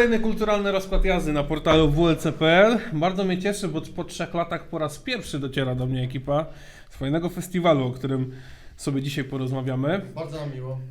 kolejny kulturalny rozkład jazdy na portalu WLC.pl. Bardzo mnie cieszy, bo po 3 latach po raz pierwszy dociera do mnie ekipa z fajnego festiwalu, o którym sobie dzisiaj porozmawiamy. Bardzo nam miło.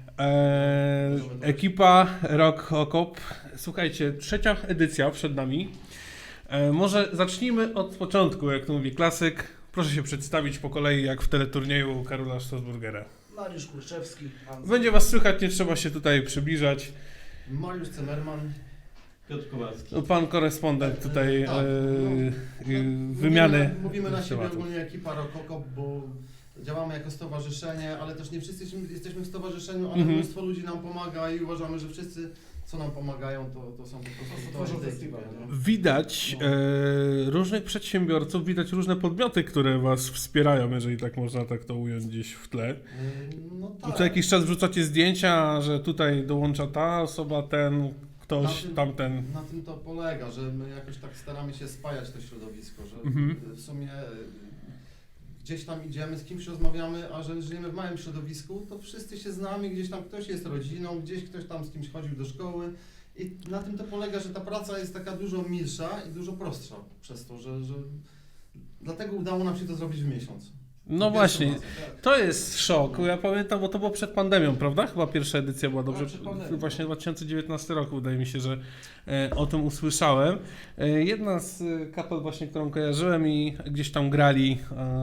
Ekipa Rock Okop. Słuchajcie, 3. edycja przed nami. Może zacznijmy od początku, jak to mówi klasyk. Proszę się przedstawić po kolei, jak w teleturnieju Karola Strasburgera. Mariusz Kurczewski. Będzie was słychać, nie trzeba się tutaj przybliżać. Mariusz Cemerman. Piotr Kowalski. No, pan korespondent tutaj Tak, wymiany. Mówimy na siebie tematów. ogólnie ekipa Rock Okop, bo działamy jako stowarzyszenie, ale też nie wszyscy jesteśmy w stowarzyszeniu, ale mnóstwo ludzi nam pomaga i uważamy, że wszyscy, co nam pomagają, to są po prostu tworzą tej festiwal, ekipie, no. Widać różnych przedsiębiorców, widać różne podmioty, które was wspierają, jeżeli tak można tak to ująć gdzieś w tle. No Co tak. jakiś czas wrzucacie zdjęcia, że tutaj dołącza ta osoba, ten, ktoś, tamten. Na tym to polega, że my jakoś tak staramy się spajać to środowisko, że w sumie gdzieś tam idziemy, z kimś rozmawiamy, a że żyjemy w małym środowisku, to wszyscy się znamy, gdzieś tam ktoś jest rodziną, gdzieś ktoś tam z kimś chodził do szkoły i na tym to polega, że ta praca jest taka dużo milsza i dużo prostsza przez to, że dlatego udało nam się to zrobić w miesiąc. No Pierwszą właśnie, razem. to jest szok. Ja pamiętam, bo to było przed pandemią, prawda? Chyba pierwsza edycja była dobrze. przed pandemią. Właśnie 2019 roku, wydaje mi się, że o tym usłyszałem. Jedna z kapel właśnie, którą kojarzyłem i gdzieś tam grali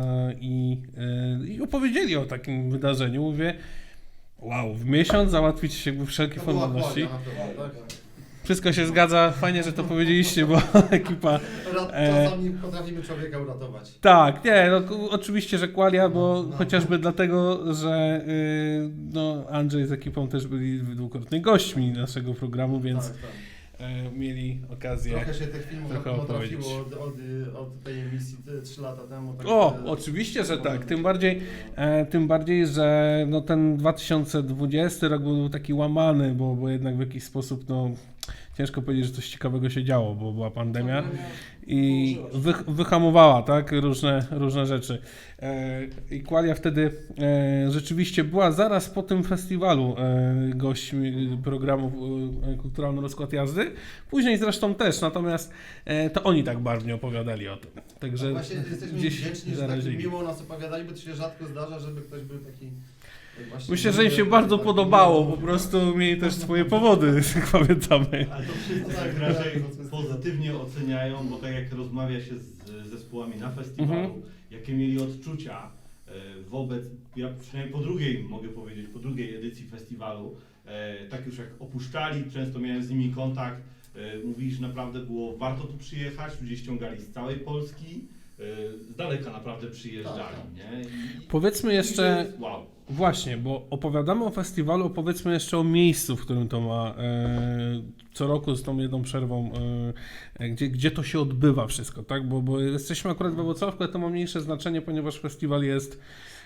i opowiedzieli o takim wydarzeniu. Mówię, wow, w miesiąc załatwić jakby wszelkie To była formalności. Kładia na pewno, tak? Wszystko się zgadza, fajnie, że to powiedzieliście, bo ekipa... Czasami potrafimy człowieka uratować. Tak, nie, no, oczywiście, że Qualia, bo No. chociażby dlatego, że no, Andrzej z ekipą też byli dwukrotnie gośćmi naszego programu, więc Tak, tak. mieli okazję. Trochę się tych filmów trochę trafiło opowiedzieć. od tej emisji 3 lata temu. Tak O, oczywiście, że tak. Tym bardziej, że no, ten 2020 rok był taki łamany, bo jednak w jakiś sposób no, ciężko powiedzieć, że coś ciekawego się działo, bo była pandemia i wyhamowała tak, różne rzeczy. I Qualia wtedy rzeczywiście była zaraz po tym festiwalu gośćmi programu Kulturalny Rozkład Jazdy. Później zresztą też, natomiast to oni tak barwnie opowiadali o tym. Także Właśnie jesteśmy gdzieś wdzięczni, że tak zarazili. miło nas opowiadali, bo to się rzadko zdarza, żeby ktoś był taki... właśnie Myślę, że im się miły, bardzo taki podobało, miły. po prostu mieli też swoje powody, jak pamiętamy. Ale to wszyscy tak raczej pozytywnie oceniają, bo tak jak rozmawia się z zespołami na festiwalu, jakie mieli odczucia wobec, ja przynajmniej po drugiej, mogę powiedzieć, po drugiej edycji festiwalu, tak już jak opuszczali, często miałem z nimi kontakt, mówili, że naprawdę było warto tu przyjechać, ludzie ściągali z całej Polski, z daleka naprawdę przyjeżdżali, Tak. nie? Powiedzmy jeszcze, wow. właśnie, bo opowiadamy o festiwalu, opowiedzmy jeszcze o miejscu, w którym to ma co roku z tą jedną przerwą, gdzie to się odbywa wszystko, tak? Bo jesteśmy akurat we Włocławku, ale to ma mniejsze znaczenie, ponieważ festiwal jest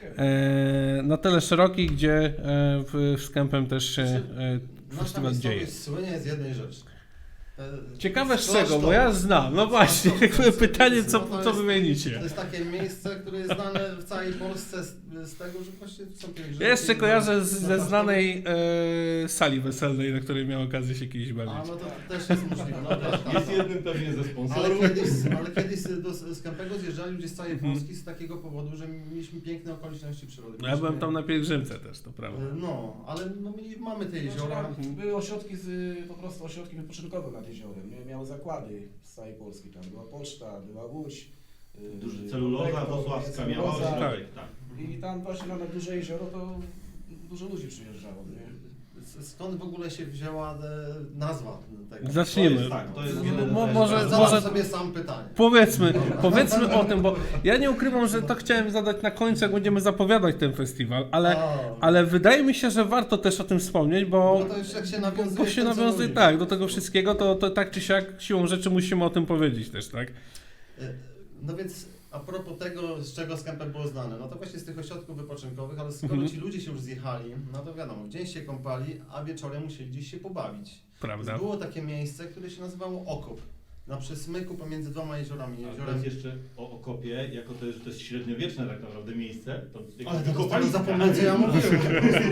na tyle szeroki, gdzie z Kępem też się Nasza festiwal dzieje. miejscowość słynie z jednej rzeczy. Ciekawe z Klasztor. czego, bo ja znam, no właśnie, pytanie No to co jest- wymienicie. To jest takie miejsce, które jest znane w całej Polsce z tego, że właśnie są pielgrzymki. Ja jeszcze kojarzę na ze klasztor. znanej sali weselnej, na której miałem okazję się kiedyś bawić. A no to też jest możliwe. No, tak, Jest tak. jednym pewnie ze Ale sponsorów. kiedyś z Kępego zjeżdżali ludzie z całej Polski z takiego powodu, że mieliśmy piękne okoliczności przyrody. No ja byłem tam na pielgrzymce też, to prawda. No, ale no, mamy te jeziora. Były ośrodki, po prostu ośrodki wypoczynkowe nad jeziorem. Miały zakłady z całej Polski. Tam była poczta, była Łódź. Duży celuloza włocławska miała celuloza. ośrodek, tak. I tam właśnie na duże jezioro to dużo ludzi przyjeżdżało. Nie? Skąd w ogóle się wzięła nazwa tego? Zacznijmy. To jest Może sobie sam pytanie. Powiedzmy o tym, bo ja nie ukrywam, że to chciałem zadać na końcu, jak będziemy zapowiadać ten festiwal, ale wydaje mi się, że warto też o tym wspomnieć, bo No to już jak się bo się nawiązuje tak, do tego wszystkiego, to tak czy siak siłą rzeczy musimy o tym powiedzieć też, tak? No więc a propos tego, z czego Kępem było znane, no to właśnie z tych ośrodków wypoczynkowych, ale skoro ci ludzie się już zjechali, no to wiadomo, w dzień się kąpali, a wieczorem musieli gdzieś się pobawić. Prawda. Było takie miejsce, które się nazywało Okop. na przesmyku pomiędzy dwoma jeziorami. A Jeziorem... teraz jeszcze o Okopie, jako to, że to jest średniowieczne tak naprawdę miejsce. To Ale to zapomniałem, co ja mówiłem.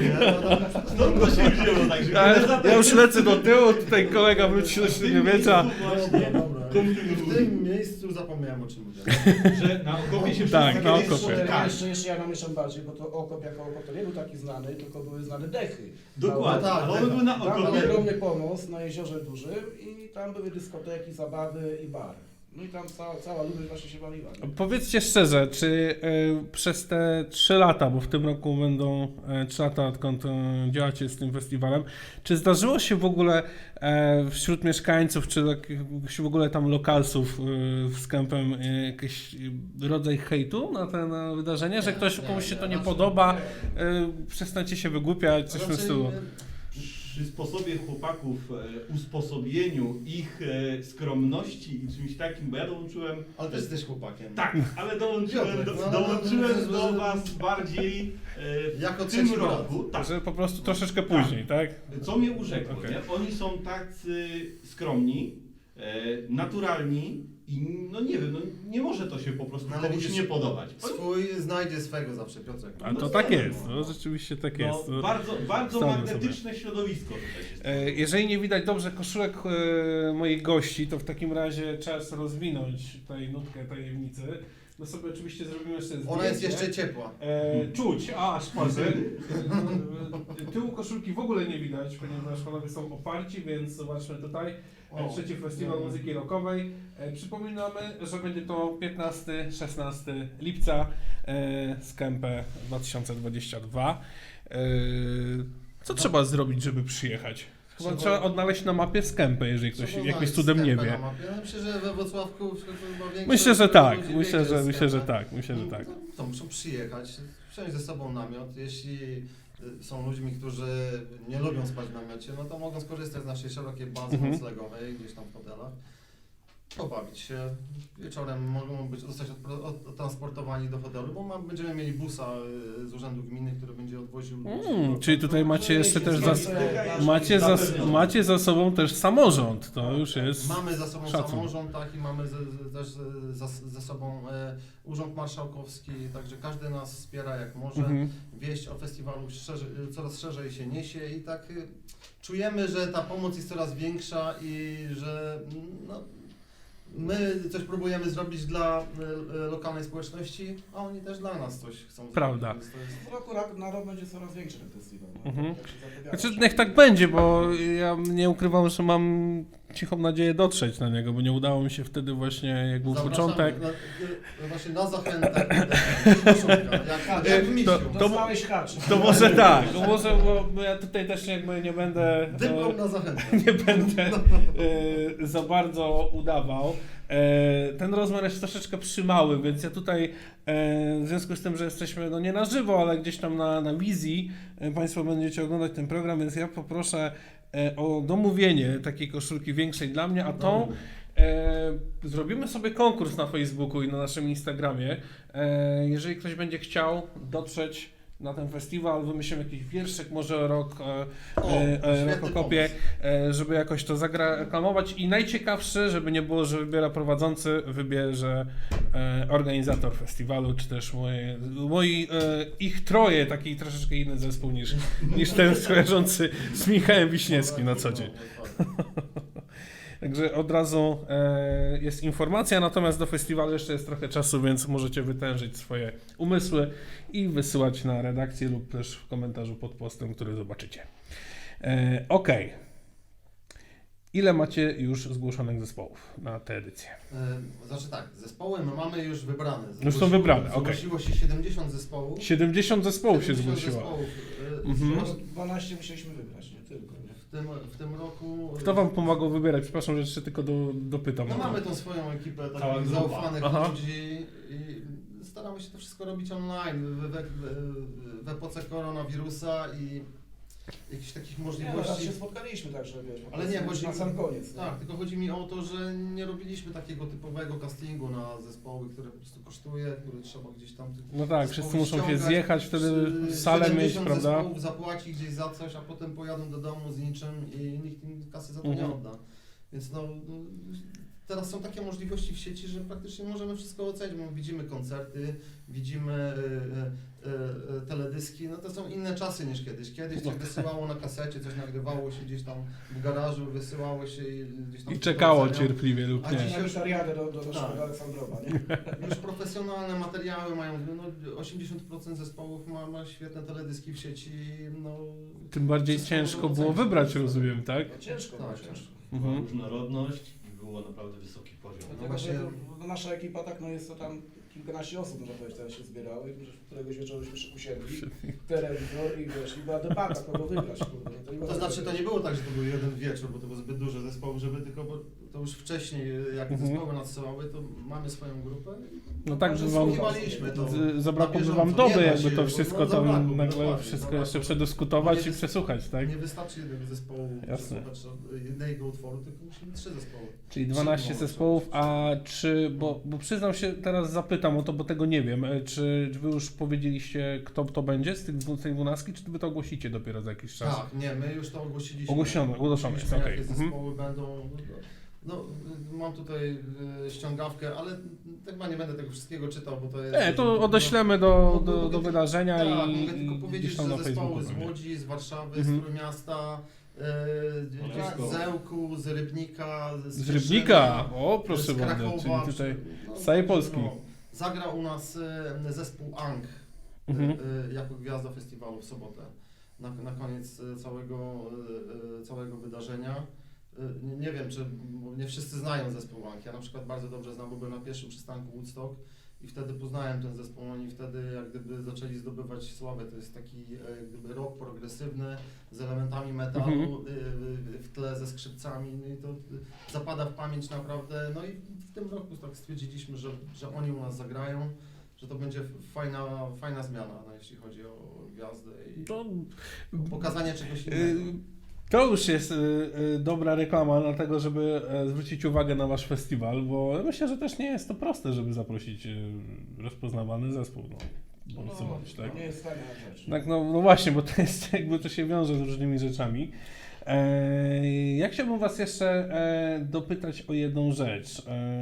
Stąd to się wzięło, także Ja już lecę do tyłu, tutaj kolega wróci do średniowiecza. Właśnie, W tym miejscu zapomniałem, o czym mówiłem. że na Okopie się Tak, wszyscy na kiedyś Okopie. spotykali. Jeszcze ja namieszam bardziej, bo to Okop jako Okop to nie był taki znany, tylko były znane dechy. Dokładnie, Tak, ale one były na Tam był Okopie. ogromny pomost na jeziorze dużym i tam były dyskoteki, zabawy i bar. No i tam cała ludność właśnie się bawiła. nie? Powiedzcie szczerze, czy przez te 3 lata, bo w tym roku będą 3 lata, odkąd działacie z tym festiwalem, czy zdarzyło się w ogóle wśród mieszkańców, czy w ogóle tam lokalsów z Kempem jakiś rodzaj hejtu na te wydarzenie, że ktoś komuś się to nie podoba, przestańcie się wygłupiać, coś w tym stylu? Przy sposobie chłopaków, usposobieniu ich skromności i czymś takim, bo ja dołączyłem. Ale też jesteś chłopakiem. Tak, ale dołączyłem Piotrek, dołączyłem do no, was bardziej Jako w tym trzeci brat. roku. Tak. Że po prostu troszeczkę później, tak? Co mnie urzekło, Okej. nie? Oni są tacy skromni, naturalni i no nie wiem, no nie może to się po prostu No, ale komuś widzisz, nie podobać. Swój znajdzie swego zawsze, Piotrek. A to tak jest, no rzeczywiście tak jest. No, bardzo Stanę magnetyczne środowisko tutaj się Jeżeli nie widać dobrze koszulek moich gości, to w takim razie czas rozwinąć tutaj nutkę tajemnicy. No sobie oczywiście zrobimy jeszcze zdjęcie. Ona jest jeszcze ciepła. Czuć, aż patrzę. Tyłu koszulki w ogóle nie widać, ponieważ panowie są oparci, więc zobaczmy tutaj. Trzeci Festiwal Muzyki Rockowej. Przypominamy, że będzie to 15-16 lipca z Kempę 2022. Co trzeba zrobić, żeby przyjechać? Chyba trzeba odnaleźć na mapie Skępę, jeżeli ktoś jakimś cudem nie wie. Ja myślę, że we Wrocławku chyba większość Myślę, że tak. ludzi Myślę, wie, że gdzie jest tak. Myślę, że tak. No, to muszą przyjechać, wziąć ze sobą namiot. Jeśli są ludźmi, którzy nie lubią spać w namiocie, no to mogą skorzystać z naszej szerokiej bazy noclegowej, gdzieś tam w hotelach. Pobawić się. Wieczorem mogą zostać odtransportowani do hotelu, bo będziemy mieli busa z urzędu gminy, który będzie odwoził ludzi. Czyli tutaj macie jeszcze też macie za sobą też samorząd. To już jest. Mamy za sobą szacun. samorząd, tak, i mamy też ze sobą Urząd Marszałkowski, także każdy nas wspiera jak może. Wieść o festiwalu coraz szerzej się niesie i tak czujemy, że ta pomoc jest coraz większa i że no, my coś próbujemy zrobić dla lokalnej społeczności, a oni też dla nas coś chcą Prawda. zrobić. więc to jest- Z roku na rok będzie coraz większy ten festiwal. No, Mhm. jak się zapowiada. Znaczy, niech tak będzie, bo ja nie ukrywam, że mam cichą nadzieję dotrzeć na niego, bo nie udało mi się wtedy właśnie, jak był Zapraszamy początek. Właśnie na zachętę. Jak w misiu. Dostałeś haczyk. To może tak, bo ja tutaj też jakby nie będę. Dyplom na zachętę. Nie będę za bardzo udawał. Ten rozmiar jest troszeczkę przymały, więc ja tutaj w związku z tym, że jesteśmy no nie na żywo, ale gdzieś tam na wizji Państwo będziecie oglądać ten program, więc ja poproszę o domówienie takiej koszulki większej dla mnie, a tą zrobimy sobie konkurs na Facebooku i na naszym Instagramie. Jeżeli ktoś będzie chciał dotrzeć na ten festiwal, wymyślimy jakiś wierszyk, może rok Okopie, żeby jakoś to zareklamować i najciekawszy, żeby nie było, że wybiera prowadzący, wybierze organizator festiwalu, czy też ich troje, taki troszeczkę inny zespół niż ten kojarzący z Michałem Wiśniewskim na co dzień. Także od razu jest informacja, natomiast do festiwalu jeszcze jest trochę czasu, więc możecie wytężyć swoje umysły i wysyłać na redakcję lub też w komentarzu pod postem, który zobaczycie. Okej. Ile macie już zgłoszonych zespołów na tę edycję? Znaczy tak, zespoły my mamy już wybrane. Już są wybrane, okej. Zgłosiło się 70 zespołów. 70 zespołów się 70 zgłosiło. zespołów, Mhm. 12 musieliśmy wybrać, nie tylko. Nie? w tym roku... Kto wam pomagał wybierać? Przepraszam, że jeszcze tylko dopytam. No mamy tą swoją ekipę Cała takich grupa. zaufanych Aha. ludzi i staramy się to wszystko robić online w epoce koronawirusa i jakichś takich Nie, no, raz możliwości. się spotkaliśmy także, wiesz, Ale nie, chodzi na sam koniec. nie? Tak, tylko chodzi mi o to, że nie robiliśmy takiego typowego castingu na zespoły, które po prostu kosztuje, które trzeba gdzieś tam... No tak, wszyscy zespoły muszą się ściągać, zjechać, wtedy salę 70 mieć, prawda? zespołów zapłaci gdzieś za coś, a potem pojadą do domu z niczym i nikt im kasy za to nie Mhm. odda. Więc no teraz są takie możliwości w sieci, że praktycznie możemy wszystko ocenić, bo widzimy koncerty, widzimy teledyski, no to są inne czasy niż kiedyś. Kiedyś coś wysyłało na kasecie, coś nagrywało się gdzieś tam w garażu, wysyłało się i gdzieś tam... I czekało oceniało. cierpliwie lub A nie. dzisiaj- Na Witariadę do Tak. naszego Aleksandrowa, nie? Już profesjonalne materiały mają, no 80% zespołów ma świetne teledyski w sieci, no... Tym bardziej Wszystko ciężko można było ocenić. wybrać, rozumiem, tak? No ciężko, Tak, ciężko. Była Mhm. różnorodność i było naprawdę wysoki poziom. Dlatego, właśnie- że nasza ekipa tak, no jest to tam kilkanaście osób, można powiedzieć, teraz się zbierały, że któregoś wieczoru się usiedli, telewizor i wiesz, i była debata, kogo wybrać, kurde. No nie To można znaczy, to sobie- nie było tak, że to był jeden wieczór, bo to było zbyt dużo zespołów, żeby tylko, bo to już wcześniej, jak Mhm. zespoły nadsyłały, to mamy swoją grupę. No tak, Także że wam słuchiwaliśmy to zabrakłoby na wam bieżąco. doby, Nie da jakby się, to bo- wszystko no tam zabrakło, nagle dokładnie, wszystko zabrakło. jeszcze przedyskutować Nie i przesłuchać, tak? Nie wystarczy jednego zespołu, Jasne. przesłuchać jednego utworu, tylko musimy 3 zespoły. Czyli 12 Trzy, zespołów, a czy, bo przyznam się, teraz zapytam o to, bo tego nie wiem, czy wy już powiedzieliście, kto to będzie z tej 12, czy wy to ogłosicie dopiero za jakiś czas? Tak, nie, my już to ogłosiliśmy. Ogłoszone jest, Ogłosiliśmy, okej. jakie Mhm. zespoły będą. No, mam tutaj ściągawkę, ale chyba nie będę tego wszystkiego czytał, bo to jest... Nie, to odeślemy do wydarzenia Tak, i mogę tylko powiedzieć, gdzieś tam na że zespoły Facebooku z pewnie. Łodzi, z Warszawy, Mhm. z Trójmiasta, gdzieś Blisko. z Zełku, z Rybnika, Z Rybnika! O, z proszę bardzo, Krakowa, czyli tutaj no, z całej także, Polski. no, zagra u nas zespół Ang Mhm. jako gwiazda festiwalu w sobotę. Na koniec całego wydarzenia. Nie wiem, czy bo nie wszyscy znają zespół Ang. Ja na przykład bardzo dobrze znam, bo byłem na pierwszym przystanku Woodstock i wtedy poznałem ten zespół. Oni wtedy jak gdyby zaczęli zdobywać sławę. To jest taki jak gdyby rock progresywny z elementami metalu w tle ze skrzypcami. No i to zapada w pamięć naprawdę. No i w tym roku tak stwierdziliśmy, że oni u nas zagrają, że to będzie fajna zmiana, no, jeśli chodzi o gwiazdę i To, pokazanie czegoś y, innego. to już jest dobra reklama na tego, żeby zwrócić uwagę na wasz festiwal, bo myślę, że też nie jest to proste, żeby zaprosić rozpoznawany zespół. No, bądź co bądź, tak? Nie jest fajna rzecz. Tak, no właśnie, bo to jest jakby to się wiąże z różnymi rzeczami. Ja chciałbym was jeszcze dopytać o jedną rzecz,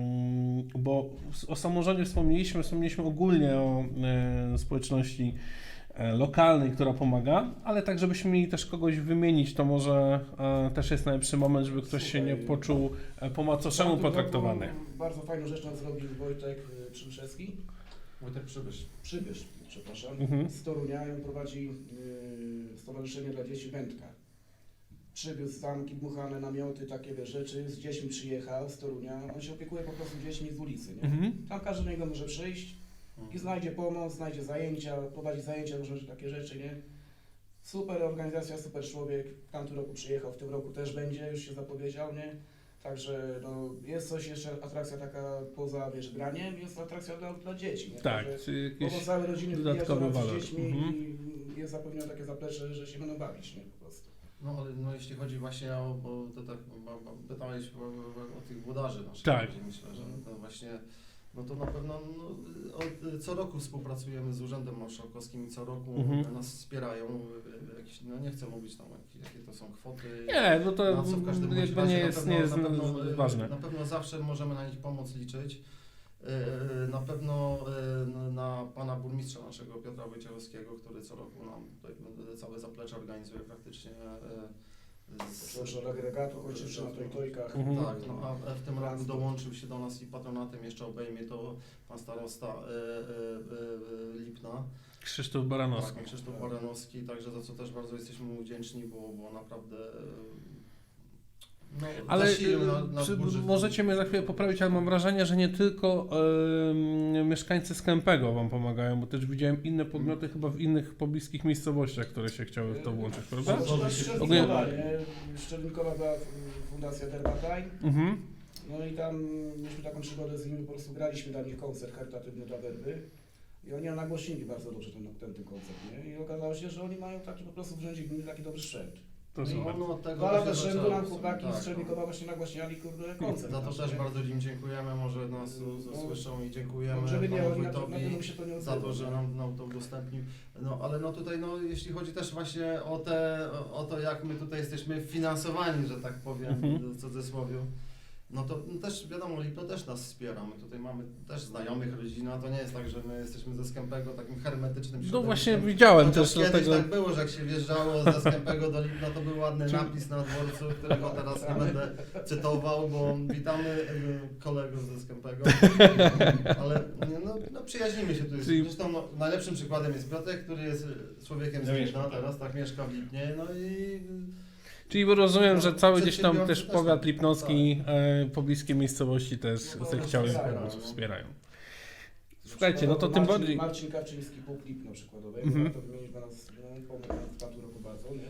bo o samorządzie wspomnieliśmy ogólnie o społeczności lokalnej, która pomaga, ale tak żebyśmy mieli też kogoś wymienić, to może też jest najlepszy moment, żeby ktoś się nie poczuł po macoszemu W tamtym potraktowany. roku Bardzo fajną rzecz nam zrobił Wojtek Przybyszewski. Wojtek Przybysz. Przepraszam. Mhm. Z Torunia i on prowadzi Stowarzyszenie dla Dzieci Wędka. Przywiózł zamki, dmuchane namioty, takie wiesz, rzeczy, z dziećmi przyjechał z Torunia. On się opiekuje po prostu dziećmi z ulicy, nie? Mhm. Tam każdy do niego może przyjść i znajdzie pomoc, znajdzie zajęcia, prowadzi zajęcia, różne takie rzeczy, nie? Super organizacja, super człowiek. W tamtym roku przyjechał, w tym roku też będzie, już się zapowiedział, nie? Także no, jest coś jeszcze, atrakcja taka poza, wiesz, graniem, jest atrakcja dla dzieci, nie? Tak, Także czy jakieś całe rodziny dodatkowy wyjeżdżają walor. z dziećmi Mhm. i jest zapewnione takie zaplecze, że się będą bawić, nie? Po prostu. No ale no, jeśli chodzi właśnie o, bo to tak pytałeś o tych włodarzy naszych, Tak. myślę, że to właśnie, no to na pewno co roku współpracujemy z Urzędem Marszałkowskim i co roku Mhm. nas wspierają, jakieś, no nie chcę mówić tam jakie to są kwoty. Nie, no to Na co w każdym bądź jakby razie nie na jest, pewno- nie jest na pewno, ważne. Na pewno zawsze możemy na nich pomoc liczyć. Na pewno na pana burmistrza naszego Piotra Wojciechowskiego, który co roku nam tutaj całe zaplecze organizuje praktycznie. Proszę o agregatu, kończysz na tojkach. Mhm. Tak, no a w tym roku dołączył się do nas i patronatem jeszcze obejmie to pan starosta Lipna. Krzysztof Baranowski. Tak, Krzysztof Baranowski, także za co też bardzo jesteśmy mu wdzięczni, bo naprawdę no, Ale zasilił nasz budżet. możecie mnie za chwilę poprawić, ale mam wrażenie, że nie tylko mieszkańcy Skępego wam pomagają, bo też widziałem inne podmioty chyba w innych pobliskich miejscowościach, które się chciały w to włączyć, prawda? Szczelnikowa, nie? Szczelnikowa była fundacja Derbataj. Mhm. No i tam mieliśmy taką przygodę z nimi, po prostu graliśmy dla nich koncert charytatywny dla Werby. I oni nagłośnili bardzo dobrze ten koncert, nie? I okazało się, że oni mają taki po prostu w rzędzie gminy taki dobry sprzęt. To No i super. Ono od tego 2 lata się z rzędu zaczęło. nam chłopaki Tak, z Szczelnikowa właśnie nagłaśniali kurde koncert. Za to nasz, też nie? bardzo im dziękujemy, może nas usłyszą i dziękujemy No, żeby nie, panu oni na wójtowi pewno się to nie za to, że nam to udostępnił. No ale no tutaj no jeśli chodzi też właśnie o to jak my tutaj jesteśmy finansowani, że tak powiem Mhm. w cudzysłowie. No to też wiadomo, Lipno też nas wspiera. My tutaj mamy też znajomych, rodzina. To nie jest tak, że my jesteśmy ze Skępego takim hermetycznym No środowiskiem. właśnie widziałem Chociaż też kiedyś dlatego. tak było, że jak się wjeżdżało ze Skępego do Lipna, to był ładny napis na dworcu, którego teraz nie będę cytował, bo witamy kolegów ze Skępego. Ale no przyjaźnimy się tu. Zresztą najlepszym przykładem jest Piotrek, który jest człowiekiem z Lipna, teraz tak mieszka w Lipnie. No i Czyli rozumiem, że cały gdzieś tam Przedsiębiorcy też też powiat tak. lipnowski, pobliskie miejscowości też No to zechciały wspierają, pomóc, no. wspierają. Słuchajcie, no to tym bardziej... Marcin Kawczyński, Puk Lipno przykładowo, warto wymienić, bo nas pomógł nam w tamtym roku bardzo, nie?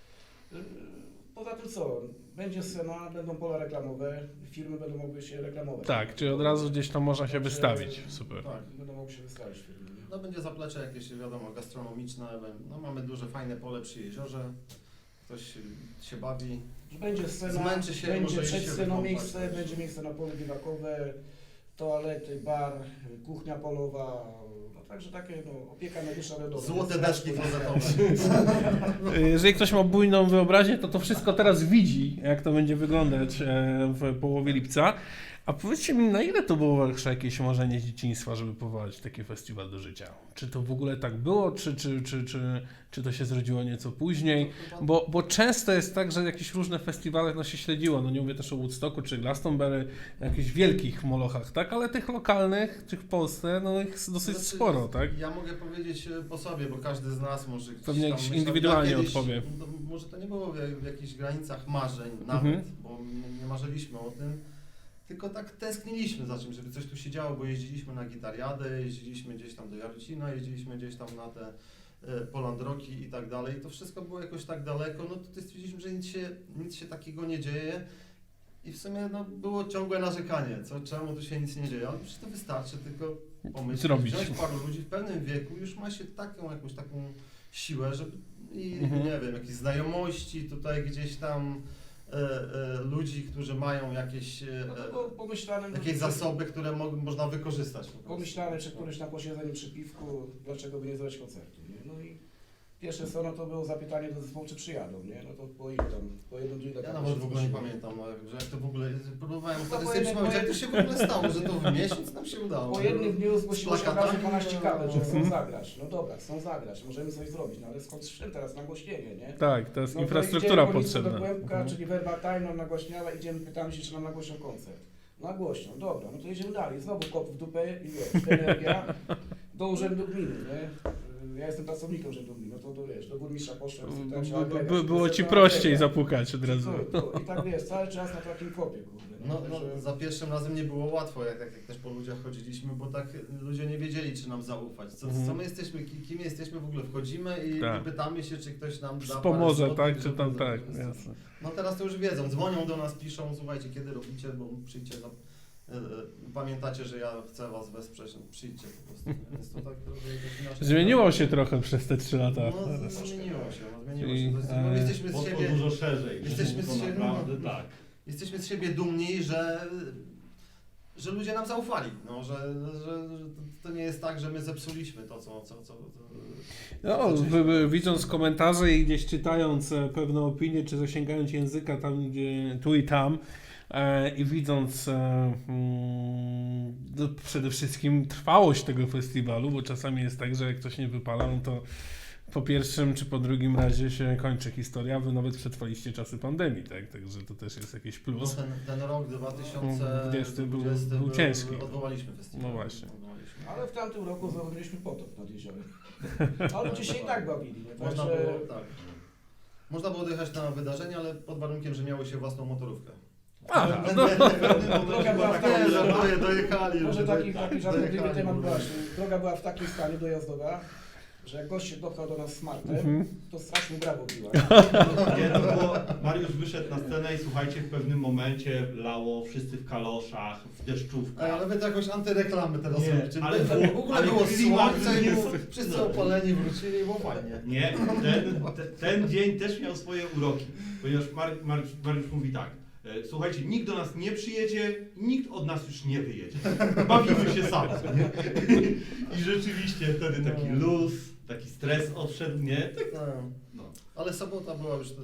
Poza tym co, będzie scena, będą pola reklamowe, firmy będą mogły się reklamować. Tak, czyli od razu gdzieś tam można się Także- wystawić, super. tak. Będą mogły się wystawić firmy. Nie? No będzie zaplecze jakieś, wiadomo, gastronomiczne, no mamy duże, fajne pole przy jeziorze, ktoś się bawi. Że będzie scena, Zmęczy się, będzie może przed iść się sceną wykąpać miejsce, też. będzie miejsce na pole biwakowe, toalety, bar, kuchnia polowa, no także takie opieka medyczna wiadomo. Złote deski klozetowe. Jeżeli ktoś ma bujną wyobraźnię, to wszystko teraz widzi, jak to będzie wyglądać w połowie lipca. A powiedzcie mi, na ile to było wasze jakieś marzenie z dzieciństwa, żeby powołać taki festiwal do życia? Czy to w ogóle tak było, czy to się zrodziło nieco później? Bo często jest tak, że jakieś różne festiwale się śledziło, no nie mówię też o Woodstocku czy Glastonbury, jakichś wielkich molochach, tak? Ale tych lokalnych, tych w Polsce, no ich dosyć Znaczy, sporo, tak? Ja mogę powiedzieć po sobie, bo każdy z nas może gdzieś Pewnie tam jakiś myślał, indywidualnie ja kiedyś, odpowie. No, może to nie było w jakichś granicach marzeń nawet, Mhm. bo nie marzyliśmy o tym, tylko tak tęskniliśmy za czymś, żeby coś tu się działo, bo jeździliśmy na gitariadę, jeździliśmy gdzieś tam do Jarocina, jeździliśmy gdzieś tam na te Polandroki i tak dalej. To wszystko było jakoś tak daleko, no to stwierdziliśmy, że nic się takiego nie dzieje. I w sumie no, było ciągłe narzekanie, czemu tu się nic nie dzieje, ale przecież to wystarczy tylko pomyśleć, Zrobić. wziąć paru ludzi w pewnym wieku, już ma się jakąś taką siłę, żeby nie wiem, jakieś znajomości tutaj gdzieś tam ludzi, którzy mają jakieś, No to było pomyślane, jakieś zasoby, które można wykorzystać po prostu. pomyślane czy któryś na posiedzeniu przy piwku, dlaczego by nie zrobić koncertu, nie? No i pierwsze co, no to było zapytanie do zespołu, czy przyjadą, nie? No to po ilu tam, po jednym dniu Ja nawet w ogóle nie pamiętam, że jak to w ogóle, próbowałem No wtedy po sobie jednym- przypomnieć, jak to się w ogóle stało, że to w miesiąc nam się udało. Po jednym dniu zgłosiło się od razu plakatami, 12 kabel, że chcą Mhm. zagrać. No dobra, chcą zagrać, możemy coś zrobić, no ale skąd sprzęt teraz, nagłośnienie, nie? Tak, to jest No to infrastruktura idziemy po listę potrzebna. do Kłębka, Mhm. czyli Verbatim nam nagłaśniała, idziemy, pytamy się, czy nam nagłośnią koncert. Nagłośnią, dobra, no to jedziemy dalej, znowu kop w dupę i wiesz, energia do urzędu gminy, nie? Ja jestem pracownikiem urzędu gminy, no to do burmistrza poszłem, spytałem się, Było ci prościej zapukać od razu. I tak wiesz, cały czas na takim kopie, kurde. No, Także- za pierwszym razem nie było łatwo, jak też po ludziach chodziliśmy, bo tak ludzie nie wiedzieli, czy nam zaufać. Co my jesteśmy, kim jesteśmy, w ogóle wchodzimy i Tak. pytamy się, czy ktoś nam da parę Pomoże, złotych, tak? Czy żeby tam zrobić tak, festiwal. jasne. No teraz to już wiedzą, dzwonią do nas, piszą, słuchajcie, kiedy robicie, bo przyjdźcie, pamiętacie, że ja chcę was wesprzeć, no, przyjdźcie po prostu. Więc to tak trochę jakoś inaczej. Zmieniło się trochę przez te 3 lata. No, zmieniło się, Czyli, To jest, bo jesteśmy z Poszło siebie... dużo szerzej. Jesteśmy to z siebie- naprawdę tak. Jesteśmy z siebie dumni, że ludzie nam zaufali, no, że to nie jest tak, że my zepsuliśmy to, co No, zaczęliśmy. widząc komentarze i gdzieś czytając pewne opinie, czy zasięgając języka tam, gdzie tu i tam i widząc no, przede wszystkim trwałość tego festiwalu, bo czasami jest tak, że jak ktoś nie wypala, no to po pierwszym czy po drugim razie się kończy historia, wy nawet przetrwaliście czasy pandemii, tak? Także to też jest jakiś No, plus. ten rok 2020 był ciężki. Odwołaliśmy festiwal. No właśnie. Odwołaliśmy. Ale w tamtym roku zrobiliśmy potop nad jeziorem. Ale ludzie się i tak bawili, nie? Można Także... było, tak. Można było dojechać na wydarzenie, ale pod warunkiem, że miało się własną motorówkę. Aha, no. Droga była w takim, Dojechali. może taki żartobliwy dojechali, temat bo- właśnie. Droga była w takim stanie dojazdowa, że jak gość się dopchał do nas smartem, Mhm. to strasznie brawo biła. Nie, to było, Mariusz wyszedł na scenę i słuchajcie, w pewnym momencie lało wszyscy w kaloszach, w deszczówkach. Ale wy to jakoś antyreklamy teraz Nie, robicie. ale w ogóle ale było klimat słońce i jest- wszyscy no. opaleni wrócili, było fajnie. Nie, ten dzień też miał swoje uroki, ponieważ Mariusz mówi tak, słuchajcie, nikt do nas nie przyjedzie, nikt od nas już nie wyjedzie. Bawimy się sami. Nie? I rzeczywiście wtedy taki luz, taki stres odszedł, nie? Tak, No. no. Ale sobota była już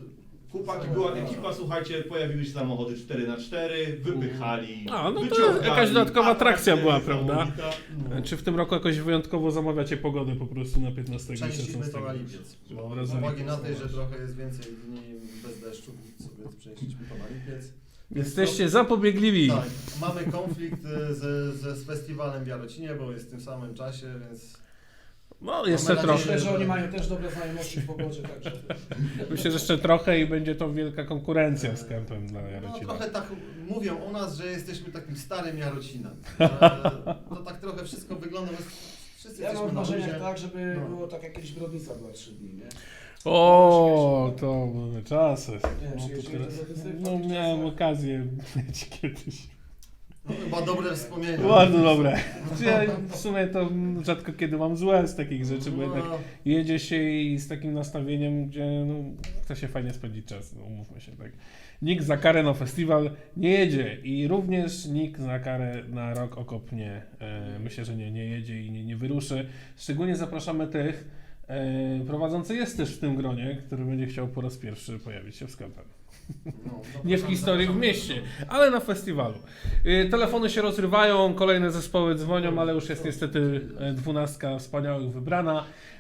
Chłopaki, była ekipa, słuchajcie, pojawiły się samochody 4x4, wypychali, A, no to wyciągali. jakaś dodatkowa atrakcja była, Atrakcja prawda? niesamowita. Czy w tym roku jakoś wyjątkowo zamawiacie pogodę po prostu na 15 i Częściej 16? to na lipiec. Bo Dobra, z za uwagi lipiec, na to, że zobacz. trochę jest więcej dni bez deszczu, sobie przenieśliśmy to na lipiec. Jesteście zapobiegliwi. Tak, mamy konflikt z festiwalem w Jarocinie, bo jest w tym samym czasie, więc No, jeszcze Mamy trochę. nadzieję, Myślę, że oni mają też dobre znajomości w pogodzie, także Myślę, że jeszcze trochę i będzie to wielka konkurencja z kempem dla no, Jarocina. trochę tak mówią o nas, że jesteśmy takim starym Jarocinem. Że to tak trochę wszystko wygląda, my wszyscy ja mam jesteśmy w na marzeniach luzie. tak, żeby No. było tak jak kiedyś Brodnica była 3 dni, nie? O, to były czasy. Nie wiem, No, czy to jeździłeś teraz, do Brodnicy w no tamtych miałem czasach? okazję mieć kiedyś. No, chyba dobre wspomnienia. Bardzo dobre. Ja w sumie to rzadko kiedy mam złe z takich rzeczy, bo jednak No, jedzie się i z takim nastawieniem, gdzie no, chce się fajnie spędzić czas, no, umówmy się tak. Nikt za karę na festiwal nie jedzie i również nikt za karę na Rock Okop nie, myślę, że nie jedzie i nie wyruszy. Szczególnie zapraszamy tych, prowadzący jest też w tym gronie, który będzie chciał po raz pierwszy pojawić się w sklepem. no, Nie w historii w mieście, ale na festiwalu. Telefony się rozrywają, kolejne zespoły dzwonią, ale już jest niestety 12 wspaniałych wybrana.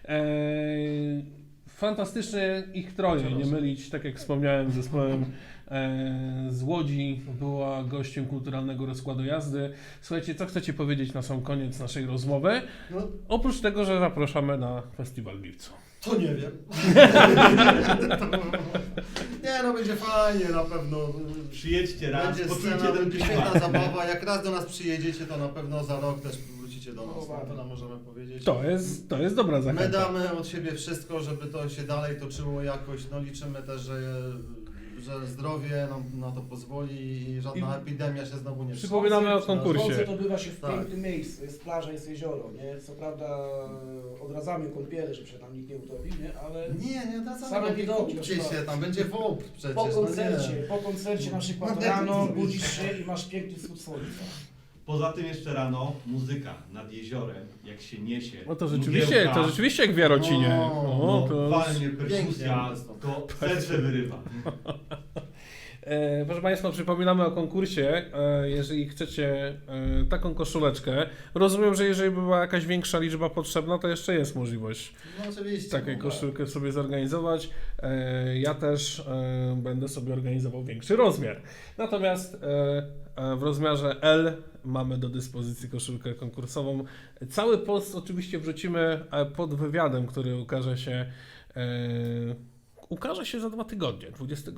Fantastycznie ich troje, nie mylić, tak jak wspomniałem, z zespołem z Łodzi, była gościem kulturalnego rozkładu jazdy. Słuchajcie, co chcecie powiedzieć na sam koniec naszej rozmowy? No, Oprócz tego, że zapraszamy na festiwal w lipcu. to nie wiem. Nie no, będzie fajnie na pewno. Przyjedźcie raz, Będzie poczujcie scena, ten będzie klimat. świetna zabawa. Jak raz do nas przyjedziecie, to na pewno za rok też wrócicie do nas. No, No, tyle możemy powiedzieć. To jest dobra My zachęta. damy od siebie wszystko, żeby to się dalej toczyło jakoś. No liczymy też, że zdrowie nam na to pozwoli i żadna epidemia się znowu nie Przypominamy o konkursie. Słońce to bywa się w Tak. pięknym miejscu, jest plaża, jest jezioro, nie? Co prawda odradzamy kąpiele, żeby się tam nikt nie utopił, nie? Ale Nie, Same wracamy, widoki, kupcie proszę się, tam będzie WOP przecież. po koncercie na przykład rano budzisz się i masz piękny wschód słońca. Poza tym jeszcze rano muzyka nad jeziorem, jak się niesie. No to mgiełka, rzeczywiście jak w Jarocinie. No, to walnie perkusja, Pięknie. to serce wyrywa. Proszę Państwa, przypominamy o konkursie. Jeżeli chcecie taką koszuleczkę, rozumiem, że jeżeli by była jakaś większa liczba potrzebna, to jeszcze jest możliwość No oczywiście. takiej no, koszulkę sobie zorganizować. Ja też będę sobie organizował większy rozmiar. Natomiast w rozmiarze L mamy do dyspozycji koszulkę konkursową. Cały post oczywiście wrzucimy pod wywiadem, który ukaże się za 2 tygodnie,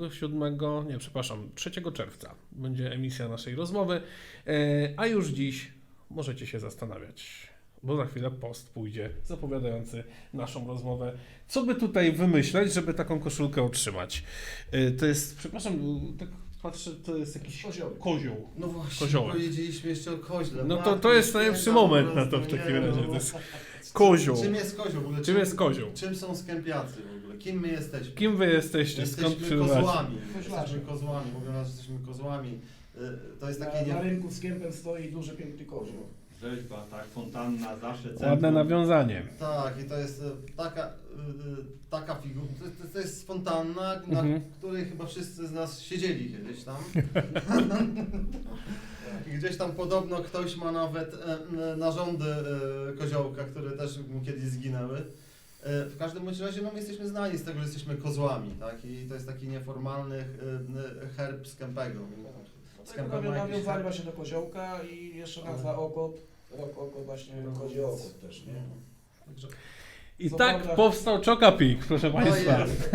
3 czerwca będzie emisja naszej rozmowy, a już dziś możecie się zastanawiać, bo za chwilę post pójdzie zapowiadający naszą rozmowę. Co by tutaj wymyśleć, żeby taką koszulkę otrzymać? To jest, przepraszam, tak patrzę, to jest jakiś kozioł. No właśnie, Koziołek. powiedzieliśmy jeszcze o koźle. No Matko to jest najlepszy święta, moment po na to prostu, w takim nie, razie. no. To jest kozioł. Czym jest kozioł w ogóle? Czym jest kozioł? Czym są skępiacy w ogóle? Kim my jesteśmy? Kim wy jesteście? Skąd Jesteśmy przybywacie? kozłami. Koźlarze. Jesteśmy kozłami, mówią nas, że jesteśmy kozłami. To jest takie... Na rynku z kępem stoi duży, piękny kozioł. Rzeźba, tak, fontanna, zawsze centrum. Ładne nawiązanie. Tak, i to jest taka figura, to jest fontanna, na Mhm. której chyba wszyscy z nas siedzieli kiedyś tam. I gdzieś tam podobno ktoś ma nawet narządy koziołka, które też mu kiedyś zginęły. W każdym bądź razie no, my jesteśmy znani z tego, że jesteśmy kozłami, tak? I to jest taki nieformalny herb z Kępego. Z Kępem ma jakiś Nawiązali herb. właśnie do koziołka i jeszcze nazwa okop, rok okop właśnie kozioł okop też, nie? Także- I Co tak prawda- powstał Chocapik, proszę No Państwa. jest.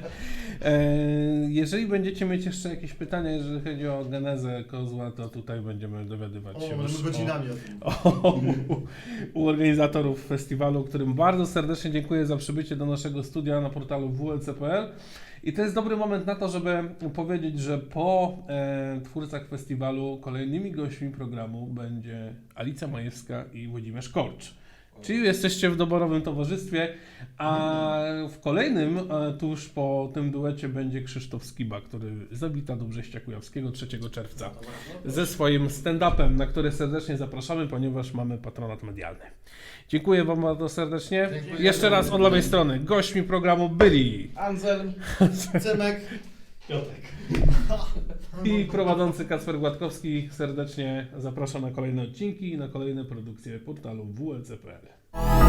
Jeżeli będziecie mieć jeszcze jakieś pytania, jeżeli chodzi o genezę kozła, to tutaj będziemy dowiadywać się O, już możemy godzinami o tym. u organizatorów festiwalu, którym bardzo serdecznie dziękuję za przybycie do naszego studia na portalu wlc.pl. I to jest dobry moment na to, żeby powiedzieć, że po twórcach festiwalu kolejnymi gośćmi programu będzie Alicja Majewska i Włodzimierz Korcz. Czyli jesteście w doborowym towarzystwie, a w kolejnym, tuż po tym duecie, będzie Krzysztof Skiba, który zawita do Brześcia Kujawskiego 3 czerwca ze swoim stand-upem, na który serdecznie zapraszamy, ponieważ mamy patronat medialny. Dziękuję Wam bardzo serdecznie. Dziękuję. Jeszcze raz od lewej strony. Gośćmi programu byli Anselm, Cymek, Piotrek. I prowadzący Kacper Gładkowski serdecznie zapraszam na kolejne odcinki i na kolejne produkcje portalu WLC.pl.